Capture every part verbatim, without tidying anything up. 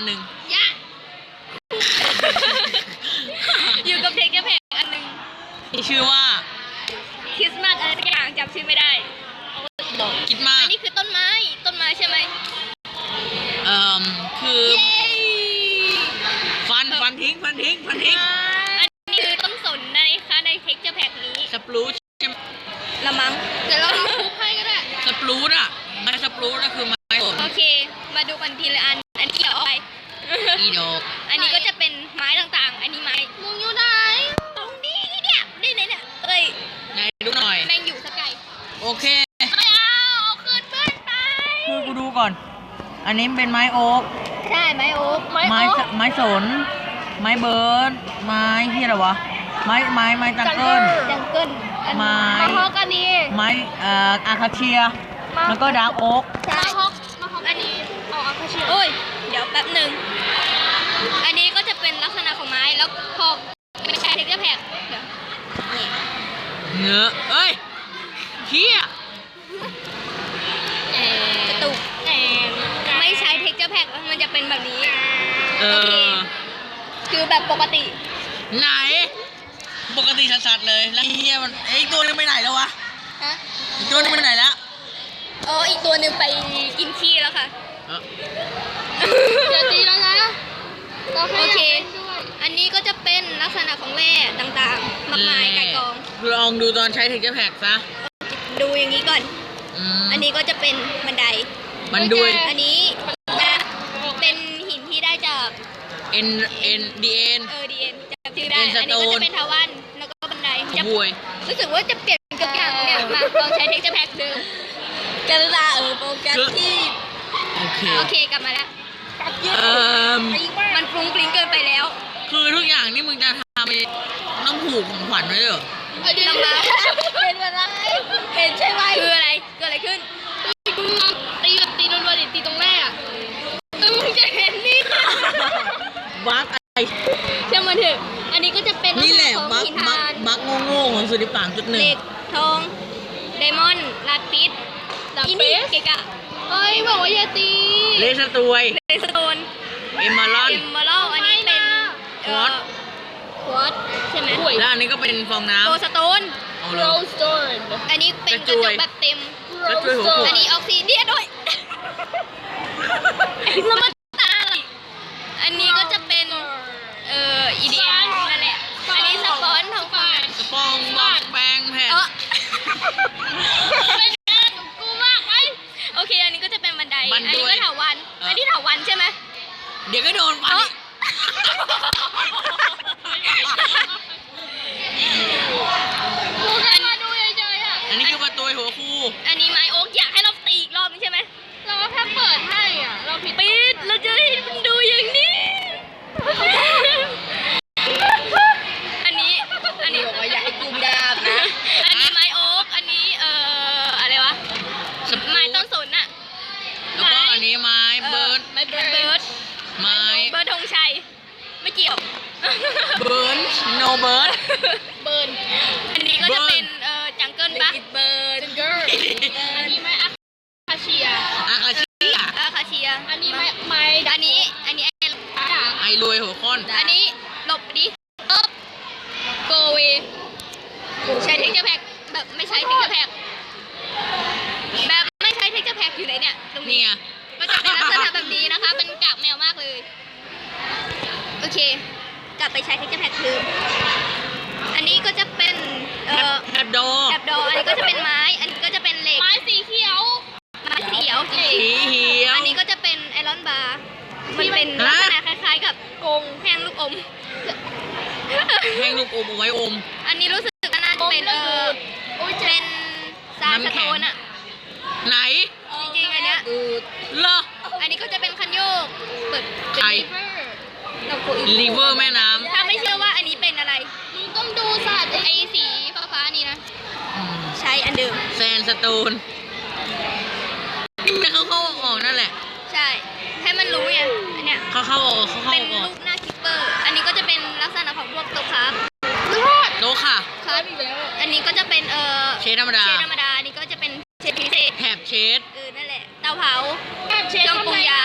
นหนึ่งยะอยู่กับเด็กจะแพงอันหนึ่งมีชื่อว่าคริสต์มาสอะไรสักอย่างจำชื่อไม่ได้คิดมากอันนี้คือต้นไม้ต้นไม้ใช่ไหมเอ่อคือฟันฟันทิ้งฟันทิ้งฟันทิ้งอันนี้คือต้นสนนะคะในเท็กเจอร์แพ็กนี้สปรูชละมั้งเดี๋ยวเราลองทุบให้ก็ได้สปรูชอะไม้สปรูชก็คือไม้โอเคมาดูกันทีละอันอันนี้เกี่ยวอะไรอีดอกอันนี้ก็จะเป็นไม้ต่างๆอันนี้ไม้มึงอยู่ไหนตรงนี้เนี่ยนี่ไหนเนี่ยเอ้ยไหนดูหน่อยแมงอยู่สกายโอเคไม่เอาเอาคืนเพื่อนไปคือกูดูก่อนอันนี้เป็นไม้โอ๊กใช่ไม้โอ๊กไม้ไม้สนไม้เบิร์ดไม้ที่อะไรวะไม้ไม้ไม้จังเกิลจังเกิลไม้มาฮอกอันนี้ไม้เอ่ออาคาเชียแล้วก็ดาร์กโอ๊กใช่มาฮอกมาฮอกอันนี้เอาอาคาเชียโอ้ยเดี๋ยวแป๊บหนึ่งอันนี้ก็จะเป็นลักษณะของไม้แล้วพอไม่ใช่เท็กเจอร์แพ็กเนื้อเอ้ยเฮียกระตุกไม่ใช้เท็กเจอร์แพ็กมันจะเป็นแบบนี้เออคือแบบปกติไหนปกติชัดๆเลยแล้วเฮียมันไอ้ตัวนึงไปไหนแล้ววะฮะอีกตัวนึงไปไหนแล้วเอออีกตัวนึงไปกินขี้แล้วค่ะจะตีแล้วนะโอเคอันนี้ก็จะเป็นลักษณะของแร่ต่างๆมากมายไก่กองลองดูตอนใช้เท็กเจอร์แพ็กซะดูอย่างนี้ก่อนอันนี้ก็จะเป็นบันไดบันดุยอันนี้เป็นหินที่ได้จากเอ็นเอ็นดีเอ็นเออดีเอ็นจำชื่อได้อันนี้ก็จะเป็นทาวันแล้วก็บันไดจะรู้สึกว่าจะเปลี่ยนกับอย่างเนี่ยมาลองใช้เท็กเจอร์แพ็กเดิมกันละเออโปรแกรมที่โอเคโอเคกลับมาแล้วเออมันฟรุ้งฟริ้งเกินไปแล้วคือทุกอย่างนี่มึงจะทำไปต้องผูกของขวัญไว้เหรอลำบากเป็นอะไรเห็นใช่ไหมคืออะไรเกิดอะไรขึ้นตีกับตีรัวๆดิตีตรงแรกอ่ะมึงจะเห็นนี่บั๊กไอเชื่อมันเถอะอันนี้ก็จะเป็นนี่แหละบั๊กบั๊กบั๊กโง่ๆของสุริปางจุดหนึ่งเหล็กทองไดมอนด์ลาปิสอินดี้เกกะเฮ้ยบอกว่าอย่าตีเลสตวยเลสโตนเอมเมอรัลเอมเมอรัลอันนี้เป็นควอตควอตใช่ไหมแล้วอันนี้ก็เป็นฟองน้ำโกลสโตนโรสโตนอันนี้เป็นกระจกแบบเต็มอันนี้ออกซิเดียด้วยแล้วมันตาอะไรอันนี้ก็จะเป็นเอ่ออีเดียนั่นแหละอันนี้สปอนทองฟ้าสปองบอกแปงแผ่นโอเคอันนี้ก็จะเป็นบันไดอันนี้ก็ถาวันอันนี้ถาวันใช่ไหมเดี๋ยวก็โดนฟันอันนี้คือประตูหัวคู่อันนี้ไม้โอ๊กอยากให้เราตีอีกรอบนึงใช่ไหมเราแค่เปิดให้อ่ะเราปิดเราจะให้มันดูอย่างนี้อันนี้อันนี้บอกว่าอยากให้กุมดาบนะอันนี้ไม้โอ๊กอันนี้เอ่ออะไรวะไม้ต้นสนอะแล้วก็อันนี้ไม้เบิร์ดไม้เบิร์ดไม้เบิร์ดธงชัยไม่เกี่ยวเบิร์นโนเบิร์ดเบิร์นอันนี้ก็จะเป็นเอ่อจังเกิลปะเบิร์นจังเกิลอันนี้ไม้อาคาเชียอาคาเชียอาคาเชียอันนี้ไม้ไม้อันนี้อันนี้ไอรวยหัวค้อนอันนี้หลบดิอ๊อบโกเวใช้เท็กเจอร์แพ็กแบบไม่ใช้เท็กเจอร์แพ็กแบบไม่ใช้เท็กเจอร์แพ็กอยู่ไหนเนี่ยตรงนี้ก็จะเป็นลักษณะแบบนี้นะคะเป็นกากแมวมากเลยโอเคกลับไปใช้เท็กเจอร์แพ็กคืออันนี้ก็จะเป็นเอ่อแถบดอแถบดออันนี้ก็จะเป็นไม้อันนี้ก็จะเป็นเหล็กไม้สีเขียวไม้สีเขียวสีเขียวอันนี้ก็จะเป็นไอรอนบาร์มันเป็นลักษณะคล้ายๆกับกงแห้งลูกอมแห้งลูกอมเอาไว้อมอันนี้รู้สึกว่าน่าจะเป็นเออเป็นซาสโตนอะไหนจริงๆอันเนี้ยเหรออันนี้ก็จะเป็นคันโยกเปิดไอลิเวอร์แม่น้ำถ้าไม่เชื่อว่าอันนี้เป็นอะไรมึงต้องดูสัตว์ไอสีฟ้าๆนี่นะใช้อันเดิมแซนสโตนแต่เขาเข้าออกนั่นแหละใช่ให้มันรู้ไงอันเนี้ยเขาเข้าออกเขาเข้าออกเป็นลูกหน้าคิปเปอร์อันนี้ก็จะเป็นลักษณะของพวกโตคาร์บโตค่ะครับอีกแล้วอันนี้ก็จะเป็นเอ่อเชดธรรมดาเชดธรรมดาอันนี้ก็จะเป็นเชดพิเศษแถบเชดเออนั่นแหละเตาเผาแถบเชดเครื่องปรุงยาเช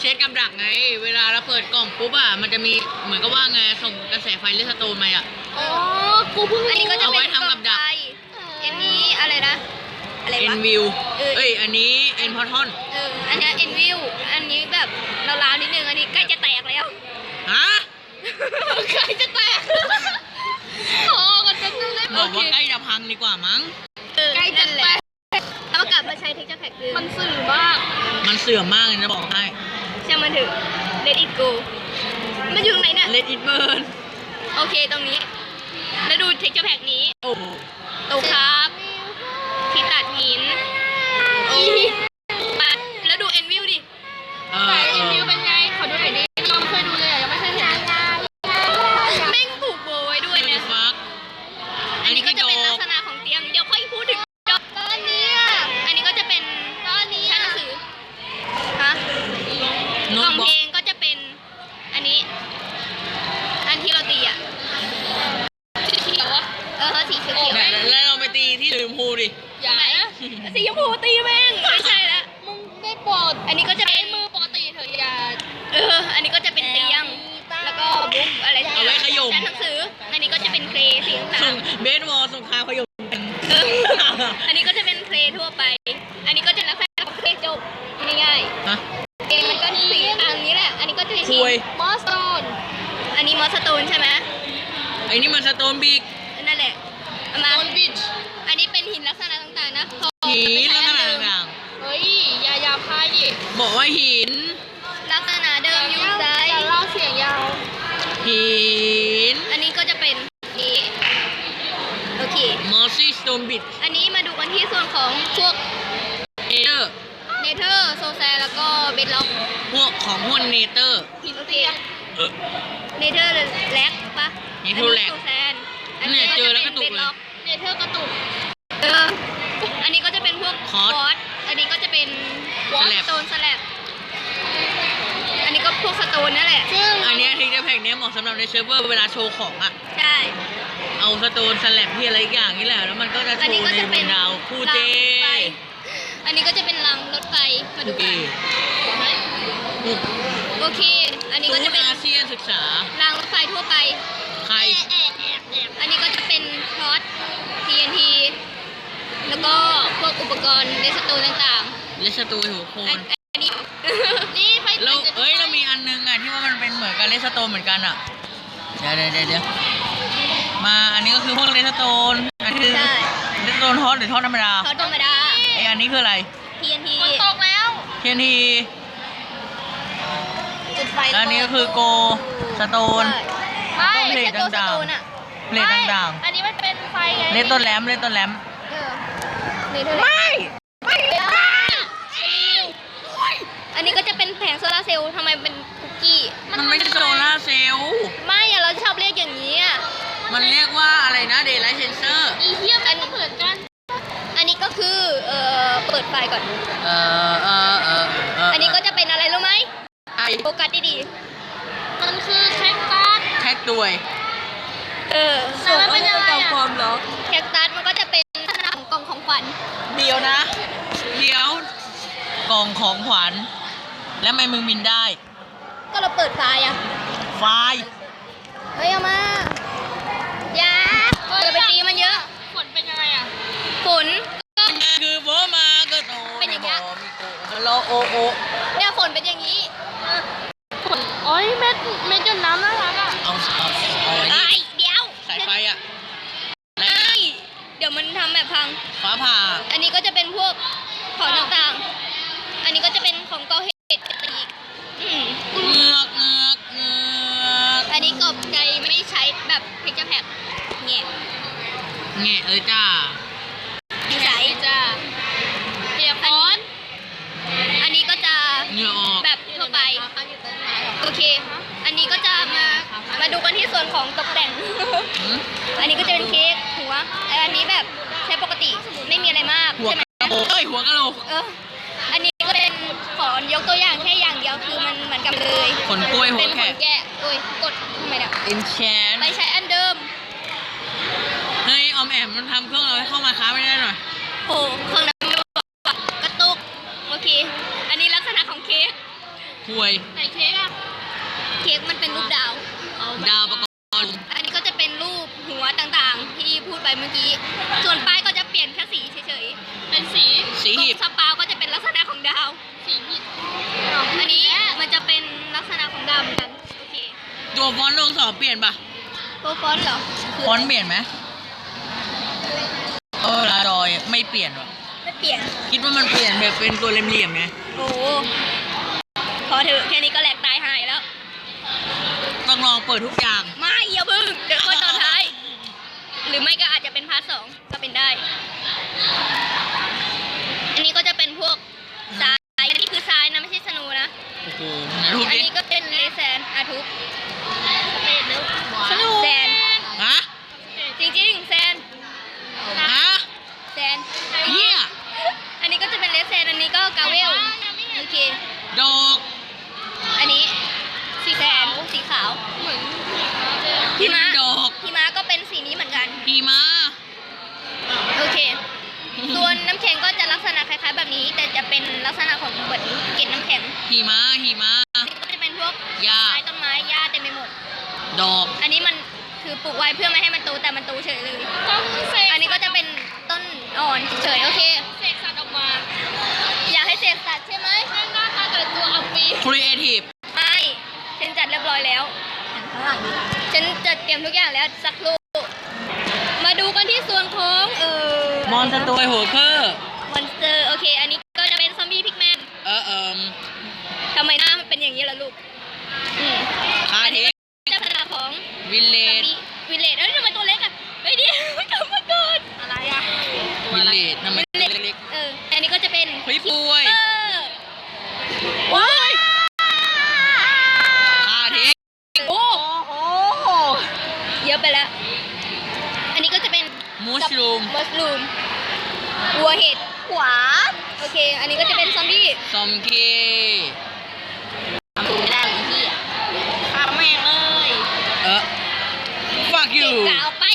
ช็ดกับดักไง เวลาเราเปิดกล่องปุ๊บอ่ะมันจะมีเหมือนกับว่าไงส่งกระแสไฟเลสโตนมาอ่ะอ๋อกูเพิ่งอันนี้ก็จะเอาเป็ไว้นทำกับดักอันนี้อะไรนะอะไรเอ็วะนวิวเออเอ้ยอันนี้เอ็นพอทอนเอออันนี้เอ็นวิวอันนี้แบบราวๆนิดนึงอันนี้ใกล้จะแตกแล้วฮะใกล้จะแตกโอ้กันจะนึงเลยบอกว่าใกล้จะพังดีกว่ามั้งใกล้จะแตกแล้วกลับมาใช้เทคเจอร์แพ็กคือมันสื่อมากมันเสื่อมมากเลยนะบอกให้ใช่มันถึง let it go มันอยู่ตรงไหนเนี่ย Let it burn โอเคตรงนี้ แล้วดูเทคเจอร์แพ็กนี้โอ้โหตูครับที่ตัดหินโอ้ปัดแล้วดูเอ็นวิวดิเออเออเป็นไงขอดูหน่อยดิเราไม่เคยดูเลยอ่ะยังไม่เคยเห็นแม่งผูกโบไว้ด้วยเดี๋นะยวฟักอันนี้ก็จะเป็นลักษณะของเตียง เดี๋ยวค่อยพูดถึงดอกตอนนี้อ่ะอันนี้ก็จะเป็นตอนนี้ชั้นหนังสือฮะโน้กล่ตองบุ๊เพกลงก็จะเป็นอันนี้ อันที่เราตีอ่ะสีเขียวอ่ะเออสีเขียวเนี่ยแล้วเราไปตีที่ลืมพูดิอย่านะสีชมพูตีแม่งไม่ใช่ละมึงได้โปรดอันนี้ก็จะเป็นมือปกติเถอะอย่าเอออันนี้ก็จะเป็นเตียง แล้วก็บุ๊กอะไรเอาไว้ขย่มชั้นหนังสือ อันนี้ก็จะเป็นเครสีต่าส่งงเบสบอลสงครามพยมกันๆเอออันนี้ก็จะเป็นเครทั่วไป อันนี้ก็จะลักษณะของเครจบง่ายฮะๆเองมันก็สีต่างนี้แหละ อันนี้ก็จะเป็นคุยมอสโตนอันนี้มอสโตนใช่ไหมไอ้นี่มันสโตนบิ๊กนั่นแหละเอามาอันนี้เป็นหินลักษณะต่างๆนะพอหินลักษณะเดิมต่างเฮ้ยอย่าอย่าพายดิๆบอกว่าหินลักษณะเดิมอยู่ซ้ายจะเล่าเสียงยาวหินอันนี้ก็จะเป็นนี้โอเคมอสซี่สโตนบิ๊กอันนี้มาดูกันที่ส่วนของพวกเอเตอร์เนเธอร์โซแซแล้วก็เบดล็อกพวกของพวกเนเตอร์โอเคเออเนเธอร์แล็กปะ Nether อั Lag โซแซนเนี่ยเจอแล้วกระตุกเลยเนเธอร์กระตุกเอออันนี้ก็จะเป็นพวกคอร์สร์สอันนี้ก็จะเป็นสแลบสโตนสแลบอันนี้ก็พวกสโตนนั่นแหละซึ่งอันเนี้ทิกเกอร์แพ็กเนี้ยเหมาะสำหรับในเซิร์ฟเวอร์เวลาโชว์ของอ่ะใช่เอาสโตนสแลบที่อะไรอีกอย่างนี่แหละ แล้วมันก็จะโชอันนี้ว์ก็ในจะบเป็นนดาวคู่เจรางรถไฟอันนี้ก็จะเป็นรางรถไฟมาดูกันโอเค อันนี้ศูก็นจะย์เป็นอาเซียนศึกษารางรถไฟทั่วไปใครอันนี้ก็จะเป็นพอต ที เอ็น ที แล้วก็พวกอุปกรณ์ในสตูต่างเลสตูหัวโคๆ อันนอันนี้ นี่ไฟเราเอ้ยเรามีอันนึงอ่ะที่ว่ามันเป็นเหมือนกับเลสโตนเหมือนกันอ่ะ เดี๋ยวเดี๋ยวเดี๋ยวเดี๋ยวมาอันนี้ก็คือพวกเลสโตน อันนี้คือใช่เลสโตนทอสหรือทอสธรรมดาพอตธรรมดาไออันนี้คืออะไรที เอ็น ที ตกแล้วเทียนทีจุดไฟแล้วอันนี้ก็คือโกสโตนไม่ต้องเพลใช่ทตัวสต่างๆโตนอะเพลทต่างอันนี้มันเป็นไฟไงๆ เลสต้นแรมเลสต้นแรมเออนี่เท่าไหร่ไม่ไม่อันนี้ก็จะเป็นแผงโซลาร์เซลล์ทำไมเป็นคุกกี้มันไม่ใช่โซลาร์เซลล์ไม่อะเราชอบเรียกอย่างนี้อะมันเรียกว่าอะไรนะ Daylight Sensor อีเทียมอันนี้เหมือนกัน อันนี้ก็คือเอ่อเปิดไฟก่อนเออเออเออเอออันนี้ก็จะเป็นอะไรรู้ไหมไอโฟกัสดีๆมันคือแคคตัสแท็กด้วยเออส่วนมันเป็นอะไรอะความเหรอแคคตัสมันก็จะเป็นลักษณะของกล่องของขวัญเดียวนะ เดี๋ยว กล่องของขวัญ แล้วทำไมมึงบินได้ก็เราเปิดไฟอะไฟเฮ้ยเอามาอย่าอย่าไปตีมันเยอะฝนเป็นยังไงอ่ะฝนก็คือโบมาก็โตเป็นอย่างเงี้ยมีโกฮัลโหลโอโอเนี่ยฝนเป็นอย่างนี้ฝนโอ้ยเม็ดเม็ดหยดน้ำน่ารักอ่ะเอาเอาเอาไอ้ไอ้นี่เดี๋ยวสายไฟอ่ะไอ้เดี๋ยวมันทำแบบพังฟ้าผ่าอันนี้ก็จะเป็นพวกของต่างๆ อันนี้ก็จะเป็นของก่อเหตุอีกอืมเงือกเงือกเงือกอันนี้กบใจไม่ใช้แบบเพกเจอร์แพ็คเงี้ยแง่เอ้ยจ้าไม่ใช้จ้าเปียกฝนอันนี้ก็จะเหงื่อออกแบบทั่วไป โอเค อันนี้ก็จะมา มาดูกันที่ส่วนของตกแต่งหืมอันนี้ก็จะเป็นเค้กหัวแต่อันนี้แบบใช้ปกติไม่มีอะไรมากหัวใช่ไหมกระโหลกเอ้ยหัวกระโหลกเออ อันนี้ก็เป็นขอยกตัวอย่างแค่อย่างเดียวคือมันเหมือนกันเลยขนกล้วยหัเป็วนขแขนกแกะโอ้ยกดทำไมเนี่ยอินแชนไปใช้อันเดิมเฮ้ยออมแอมมันทำเครื่องเราให้เข้ามาค้าไม่ได้หน่อยโอ้เครื่องนั้นไม่บอกกระตุก โอเค อันนี้ลักษณะของเค้กห่วยไหนเค้กอ่ะเค้กมันเป็นรูปดาวดาวประกรณ์อันนี้ก็จะเป็นรูปหัวต่างๆ ที่พูดไปเมื่อกี้ ส่วนป้ายก็จะเปลี่ยนแค่สีเฉยเป็นสีสีๆตรหีงบสปาวก็จะเป็นลักษณะของดาวสีผิดอันนี้มันจะเป็นลักษณะของดาวเหมือนกัน โอเคตัวฟอนต์ลงสอบเปลี่ยนปะตัวฟอนต์เหรอฟอนต์เปลี่ยนไหมเออจอยไม่เปลี่ยนหรอไม่เปลี่ยนคิดว่ามันเปลี่ยนแบบเป็นตัวเหลี่ยมๆไงโอ้โหพอเถอะแค่นี้ก็แหลกตายหายแล้วต้องลองเปิดทุกอย่างไม่อย่าเพิ่งเดี๋ยวก็ตอนท้าย หรือไม่ก็อาจจะเป็นพาร์ทสองก็เป็นได้ อันนี้ก็จะเป็นพวกทราย อันนี้คือทรายนะไม่ใช่สนูนะโอ้โหไหนรูปอันดินี้ก็เป็นเลแซนอาทุบสนุกแซนฮะจริงๆแซนฮะแซนเฮียอันนี้ก็จะเป็นเลแซนอันนี้ก็กาเวลโอเคดอกอันนี้สีแซนสีขาวเหมือนพี่ม้าดอกพี่ม้าก็เป็นสีนี้เหมือนกันขี่ม้าโอเค ส่วนน้ำแข็งก็จะลักษณะคล้ายๆแบบนี้ แต่จะเป็นลักษณะของเหมือนเกล็ดน้ำแข็งขี่ม้าขี่ม้าก็จะเป็นพวกหญ้าไม้ต้นไม้หญ้าเต็มไปหมดดอกอันนี้มันคือปลูกไว้เพื่อไม่ให้มันโตแต่มันโตเฉยเลยต้องเสกอันนี้ก็จะเป็นต้นอ่อนเฉยๆโอเคเสกสัตว์ออกมาอยากให้เสกสัตว์ใช่ไหมให้หน้าตาแต่ละตัวเอาปีครีเอทีฟไม่ฉันจัดเรียบร้อยแล้วฉันจัดเตรียมทุกอย่างแล้วสักครู่มาดูกันที่ส่วนของเออมอนสเตอร์โฮเคอร์มอนสเตอร์โอเค อันนี้ก็จะเป็นซอมบี้พิกแมนเออเอิมทำไมหน้ามันเป็นอย่างนี้ล่ะลูกอืมคาเทคเจ้าพนักของวิลเลซอมจบี้วิลเลจเอ้ยทำไมตัวเล็กอ่ะเฮ้ยเดียวกลับมาก่อนอะไรอ่ะวิลเลจทำไมตัวเล็กเอออันนี้ก็จะเป็นๆเฮ้ยป่วยเออว้ายคาเทคโอ้โหเยอะไปแล้ว อันนี้ก็จะเป็นมูชรูมมัสลูมวัวเห็ดขวาโอเค อันนี้ก็จะเป็นซอมบี้ซอมเคทำไม่ได้อีกที่อ่ะฆ่าแม่งเลยเออ fuck เก่ you งกาวไป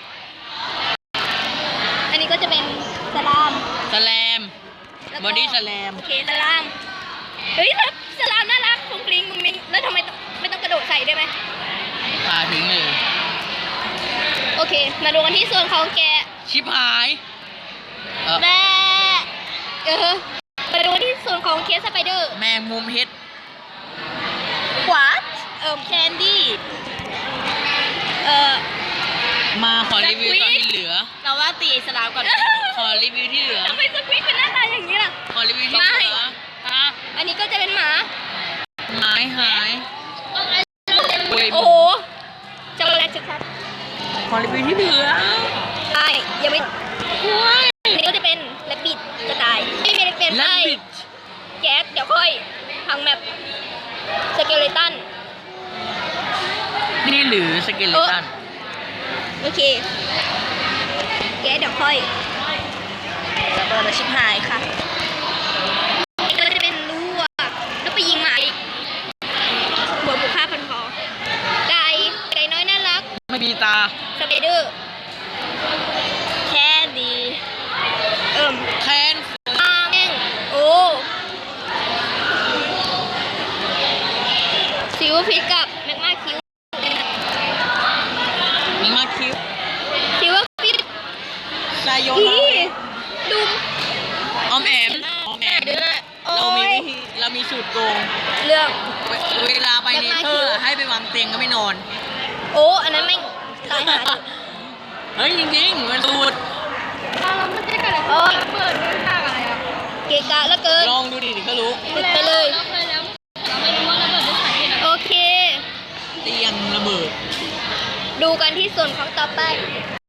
อันนี้ก็จะเป็นสลามสแลมแล้วก็บอดี้สแลมโอเคสลาม เฮ้ยแล้วสลามน่ารักฟรุ้งฟริ้งมุ้งมิ้งแล้วทำไมต้องไม่ต้องกระโดดใส่ได้ไหมพาทิ้งเลยโอเค มาดูกันที่ส่วนของแกะชิบหายเออแม่เออมาดูกันที่ส่วนของเคสสไปเดอร์แมงมุมเฮ็ดขวาเอ่อแคนดี้เอ่อมาขอรีวิวตอนที่เหลือเราว่าตีไอ้สลามก่อนขอรีวิวที่เหลือทำไมสควิตเป็นหน้าตาอย่างนี้ล่ะขอรีวิวที่เหลืออ่ะอันนี้ก็จะเป็นหมาไม้หายเว้ยโอ้โหช็อกโกแลตชัดขอรีวิวที่เหลือๆใช่ยังไม่อันนี้ก็จะเป็นแรบบิทกระต่ายไม่เป็นเป็นและไส้บิดแก๊สเดี๋ยวค่อยพังแมปสเกเลตันนี่หรือสเกเลตันโอเคแก๊สเดี๋ยวค่อยระเบิดชิบหายค่ะอันนี้ก็จะเป็นลูกแล้วไปยิงหมาอีกหัวบุกฆ่าพันคอไก่ไก่น้อยน่ารักไม่มีตาสไปเดอร์แค่ดีเอิ่มแคนอาแม่งโอ้ซิวพิษกับแมกมาคิวมีมาคิวซิวพิษไซโยอีนาดุมออมแอมออมแอมโอ้เรามียวิธีเรามีสูตรโกงเรื่องเวเวลาไปเนเธอร์ให้ไปวางเตียงก็ไม่นอนโอ้อันนั้นแม่งตายหาดิเฮ้ยจริงๆมันสูตรเราไม่ได้กันเลยโอ้ยเปิดด้วยทางอะไรอ่ะเกะกะแล้วเกินลองดูดิเดี๋ยวก็รู้ปิดไปเลยเราเคยแล้วเราไม่รู้ว่าระเบิดด้วยสาเหตุอะไรโอเคเตียงระเบิดดูกันที่ส่วนของต่อไป